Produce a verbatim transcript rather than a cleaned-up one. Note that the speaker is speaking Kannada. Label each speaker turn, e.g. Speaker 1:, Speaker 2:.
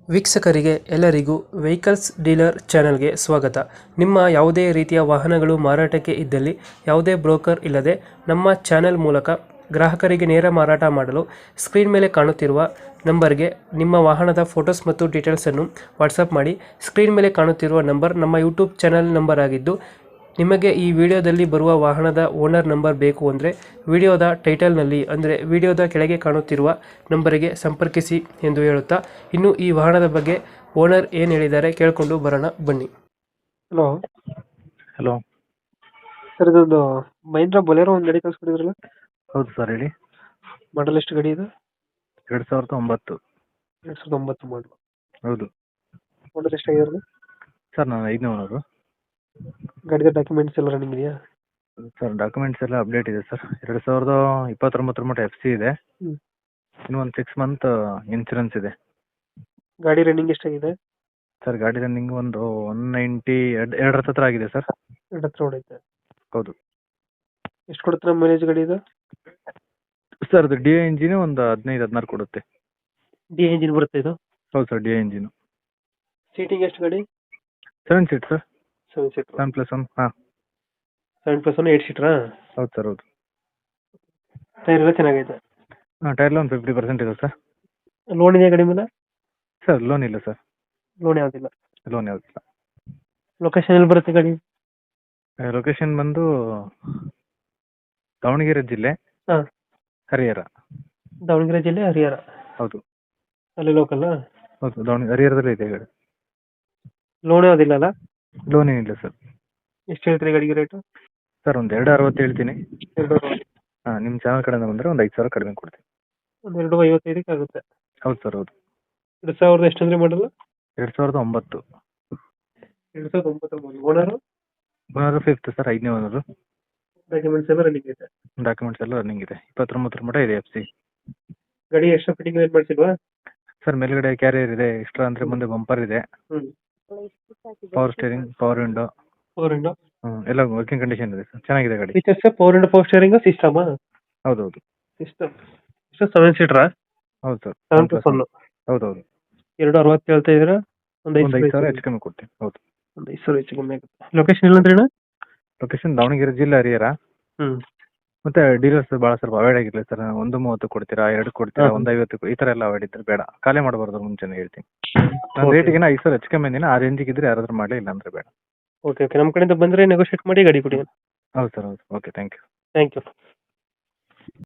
Speaker 1: ವೀಕ್ಷಕರಿಗೆ ಎಲ್ಲರಿಗೂ ವೆಹಿಕಲ್ಸ್ ಡೀಲರ್ ಚಾನೆಲ್ಗೆ ಸ್ವಾಗತ. ನಿಮ್ಮ ಯಾವುದೇ ರೀತಿಯ ವಾಹನಗಳು ಮಾರಾಟಕ್ಕೆ ಇದ್ದಲ್ಲಿ ಯಾವುದೇ ಬ್ರೋಕರ್ ಇಲ್ಲದೆ ನಮ್ಮ ಚಾನೆಲ್ ಮೂಲಕ ಗ್ರಾಹಕರಿಗೆ ನೇರ ಮಾರಾಟ ಮಾಡಲು ಸ್ಕ್ರೀನ್ ಮೇಲೆ ಕಾಣುತ್ತಿರುವ ನಂಬರ್ಗೆ ನಿಮ್ಮ ವಾಹನದ ಫೋಟೋಸ್ ಮತ್ತು ಡೀಟೇಲ್ಸನ್ನು ವಾಟ್ಸಪ್ ಮಾಡಿ. ಸ್ಕ್ರೀನ್ ಮೇಲೆ ಕಾಣುತ್ತಿರುವ ನಂಬರ್ ನಮ್ಮ ಯೂಟ್ಯೂಬ್ ಚಾನೆಲ್ ನಂಬರ್ ಆಗಿದ್ದು, ನಿಮಗೆ ಈ ವಿಡಿಯೋದಲ್ಲಿ ಬರುವ ವಾಹನದ ಓನರ್ ನಂಬರ್ ಬೇಕು ಅಂದರೆ ವಿಡಿಯೋದ ಟೈಟಲ್ನಲ್ಲಿ ಅಂದರೆ ವಿಡಿಯೋದ ಕೆಳಗೆ ಕಾಣುತ್ತಿರುವ ನಂಬರಿಗೆ ಸಂಪರ್ಕಿಸಿ ಎಂದು ಹೇಳುತ್ತಾ, ಇನ್ನು ಈ ವಾಹನದ ಬಗ್ಗೆ ಓನರ್ ಏನು ಹೇಳಿದ್ದಾರೆ ಕೇಳಿಕೊಂಡು ಬರೋಣ ಬನ್ನಿ. Hello
Speaker 2: hello.
Speaker 1: ಸರ್, ಇದೊಂದು ಮಹೀಂದ್ರ ಬೊಲೆರೋ ಒಂದು ಗಾಡಿ ಕಳಿಸ್ಕೊಡಿದ್ರಲ್ಲ,
Speaker 2: ಹೌದು ಸರ್, ಹೇಳಿ.
Speaker 1: ಮಾಡಲ್ ಎಷ್ಟು ಗಾಡಿ ಇದು?
Speaker 2: ಎರಡು ಸಾವಿರದ ಒಂಬತ್ತು.
Speaker 1: ಎರಡು ಸಾವಿರದ ಒಂಬತ್ತು ಮಾಡಲು.
Speaker 2: ಹೌದು
Speaker 1: ಮಾಡಲ್ ಎಷ್ಟಾಗಿರಲ್ಲ
Speaker 2: ಸರ್, ನಾನು ಐದನೇ ಓನರು.
Speaker 1: ಗಾಡಿದ ಡಾಕ್ಯುಮೆಂಟ್ಸ್ ಎಲ್ಲ ರನ್ನಿಂಗ್ ಇದೆಯಾ?
Speaker 2: ಸರ್, ಡಾಕ್ಯುಮೆಂಟ್ಸ್ ಎಲ್ಲ ಅಪ್ಡೇಟ್ ಇದೆ ಸರ್. ಎರಡು ಸಾವಿರದ ಇಪ್ಪತ್ತೊಂಬತ್ತರ ಮಟ್ಟ ಎಫ್ ಸಿ ಇದೆ.
Speaker 1: ಹ್ಮ್.
Speaker 2: ಇನ್ನು ಒಂದು ಸಿಕ್ಸ್ ಮಂತ್ ಇನ್ಸೂರೆನ್ಸ್ ಇದೆ.
Speaker 1: ಗಾಡಿ ರನ್ನಿಂಗ್ ಎಷ್ಟಾಗಿದೆ?
Speaker 2: ಸರ್, ಗಾಡಿ ರನ್ನಿಂಗ್ ಒಂದು ಒನ್ ನೈಂಟಿ ಎರಡು ಎರಡರ ಹತ್ರ ಆಗಿದೆ ಸರ್.
Speaker 1: ಎರಡು ಹತ್ರ ಹೊಡೈತೆ.
Speaker 2: ಹೌದು
Speaker 1: ಎಷ್ಟು ಕೊಡುತ್ತೆ ಮೈಲೇಜ್ ಗಾಡಿ ಇದು?
Speaker 2: ಸರ್, ಅದು ಡಿ ಎ ಇಂಜಿನ್ ಒಂದು ಹದಿನೈದು ಹದಿನಾರು ಕೊಡುತ್ತೆ.
Speaker 1: ಡಿ ಎಂಜಿನ್ ಬರುತ್ತೆ ಇದು?
Speaker 2: ಹೌದು sir, D A engine.
Speaker 1: Seating ಎಷ್ಟು ಗಾಡಿ?
Speaker 2: Seven seat sir.
Speaker 1: Seven seater.
Speaker 2: Seven plus one. ಹಾಂ,
Speaker 1: ಸೆವೆನ್ ಪ್ಲಸ್ ಒನ್ ಏಟ್ ಸೀಟ್ರಾ?
Speaker 2: ಹೌದು ಸರ್, ಹೌದು.
Speaker 1: ಟೈರ್ ಎಲ್ಲ ಚೆನ್ನಾಗೈತೆ?
Speaker 2: ಹಾಂ, ಟೈರ್ ಲೋನ್ ಫಿಫ್ಟಿ ಪರ್ಸೆಂಟ್ ಇದೆ ಸರ್.
Speaker 1: ಲೋನ್ ಇದೆಯಾ ಗಾಡಿ ಮೇಲೆ?
Speaker 2: ಸರ್, ಲೋನ್ ಇಲ್ಲ ಸರ್.
Speaker 1: ಲೋನ್ ಯಾವುದಿಲ್ಲ.
Speaker 2: ಲೋನ್ ಯಾವುದಿಲ್ಲ.
Speaker 1: ಲೊಕೇಶನ್ ಎಲ್ಲಿ ಬರುತ್ತೆ ಗಾಡಿ?
Speaker 2: ಲೊಕೇಶನ್ ಬಂದು ದಾವಣಗೆರೆ ಜಿಲ್ಲೆ,
Speaker 1: ಹಾಂ.
Speaker 2: ಹರಿಹರ.
Speaker 1: ದಾವಣಗೆರೆ ಜಿಲ್ಲೆ, ಹರಿಹರ.
Speaker 2: ಹೌದು
Speaker 1: ಅಲ್ಲಿ ಲೋಕಲ್?
Speaker 2: ಹೌದು, ದಾವಣಗೆರೆ ಹರಿಹರದಲ್ಲೇ ಇದೆ ಗಾಡಿ.
Speaker 1: ಲೋನ್ ಯಾವುದಿಲ್ಲ ಅಲ್ಲ?
Speaker 2: ಲೋನ್ ಏನಿಲ್ಲ ಸರ್.
Speaker 1: ಎಷ್ಟು ಹೇಳ್ತೀರಿ ಗಾಡಿಗೆ ರೇಟು?
Speaker 2: ಸರ್, ಒಂದು ಎರಡು ಅರವತ್ತು ಹೇಳ್ತೀನಿ.
Speaker 1: ಎರಡು
Speaker 2: ಹಾಂ, ನಿಮ್ಮ ಚಾನಲ್ ಕಡೆಯಿಂದ ಬಂದರೆ ಒಂದು ಐದು ಸಾವಿರ ಕಡಿಮೆ ಕೊಡ್ತೀನಿ.
Speaker 1: ಒಂದು ಎರಡು ಐವತ್ತೈದಕ್ಕೆ ಆಗುತ್ತೆ.
Speaker 2: ಹೌದು ಸರ್, ಹೌದು.
Speaker 1: ಎರಡು ಸಾವಿರದ ಎಷ್ಟು ಅಂದರೆ ಮಾಡಲ್ಲ?
Speaker 2: ಎರಡು ಸಾವಿರದ ಒಂಬತ್ತು.
Speaker 1: ಎರಡು ಸಾವಿರದ ಒಂಬತ್ತರ ಮಾಡಲು. ಓನರು?
Speaker 2: ಓನರು ಫಿಫ್ತ್ ಸರ್, ಐದನೇ ಓನರು.
Speaker 1: ಡಾಕ್ಯುಮೆಂಟ್ಸ್ ಎಲ್ಲ ರನ್ನಿಂಗ್ ಇದೆ?
Speaker 2: ಡಾಕ್ಯುಮೆಂಟ್ಸ್ ಎಲ್ಲ ರನ್ನಿಂಗ್ ಇದೆ. ಇಪ್ಪತ್ತೊಂಬತ್ತರ ಮಟ್ಟ ಇದೆ ಎಫ್ ಸಿ.
Speaker 1: ಗಾಡಿ ಎಕ್ಸ್ಟ್ರಾ ಫಿಟ್ಟಿಂಗ್ ಏನು ಮಾಡಿಸಿಲ್ವಾ?
Speaker 2: ಸರ್, ಮೇಲ್ಗಡೆ ಕ್ಯಾರಿಯರ್ ಇದೆ. ಎಕ್ಸ್ಟ್ರಾ ಅಂದರೆ ಮುಂದೆ ಬಂಪರ್ ಇದೆ.
Speaker 1: ಹ್ಞೂ.
Speaker 2: Power steering, power window,
Speaker 1: power window
Speaker 2: ಹ್ಞೂ, ಎಲ್ಲ ವರ್ಕಿಂಗ್ ಕಂಡೀಷನ್ ಇದೆ ಸರ್. ಚೆನ್ನಾಗಿದೆ ಗಾಡಿ.
Speaker 1: Features power window, power steering, ಸಿಸ್ಟಮಾ?
Speaker 2: ಹೌದು ಹೌದು.
Speaker 1: ಸಿಸ್ಟಮ್ ಎಷ್ಟು? ಸೆವೆನ್ ಸೀಟ್ರಾ?
Speaker 2: ಹೌದು ಸರ್,
Speaker 1: ಸೆವೆನ್ ಪ್ಲಸ್ ಒನ್.
Speaker 2: ಹೌದು ಹೌದು.
Speaker 1: ಎರಡು ಅರವತ್ತು ಹೇಳ್ತಾ ಇದ್ದೀರಾ? ಒಂದು ಐದು
Speaker 2: ಒಂದು ಐದು ಸಾವಿರ ಹೆಚ್ಚು ಕಮ್ಮಿ ಕೊಡ್ತೀನಿ. ಹೌದು,
Speaker 1: ಒಂದು ಐದು ಸಾವಿರ ಹೆಚ್ಚು ಕಮ್ಮಿ ಆಗುತ್ತೆ. ಲೊಕೇಶನ್ ಇಲ್ಲ ಅಂದ್ರೆ?
Speaker 2: ಲೊಕೇಶನ್ ದಾವಣಗೆರೆ ಜಿಲ್ಲೆ, ಹರಿಹರ.
Speaker 1: ಹ್ಞೂ.
Speaker 2: ಮತ್ತೆ ಡೀಲರ್ಸ್ ಭಾಳ ಸ್ವಲ್ಪ ಅವಾಯ್ಡ್ ಆಗಿರಲಿ ಸರ್. ಒಂದು ಮೂವತ್ತು ಕೊಡ್ತೀರಾ, ಎರಡು ಕೊಡ್ತೀರಾ,
Speaker 1: ಹಾಂ.
Speaker 2: ಒಂದು ಐವತ್ತು, ಈ ಥರ ಎಲ್ಲ ಅವಾಯ್ಡ್ ಇದ್ರೆ ಬೇಡ. ಖಾಲಿ ಮಾಡಬಾರ್ದು ಮುಂಚೆನೇ ಹೇಳ್ತೀನಿ. ನಾನು ರೇಟಿಗೆ ಐದು ಸಾವಿರ ಹೆಚ್ಚು ಕಮ್ಮಿ ಅಂದಿನ. ಆ ರೇಂಜಿಗೆ ಇದ್ರೆ ಯಾರಾದ್ರೂ ಮಾಡಲಿ, ಇಲ್ಲ ಅಂದ್ರೆ ಬೇಡ.
Speaker 1: Okay okay. ನಮ್ಮ ಕಡೆಯಿಂದ ಬಂದರೆ ನೆಗೋಷಿಯೇಟ್ ಮಾಡಿ ಗಾಡಿ ಕೊಡಿ.
Speaker 2: ಹೌದು ಸರ್, ಹೌದು. Okay, thank you.
Speaker 1: Thank you.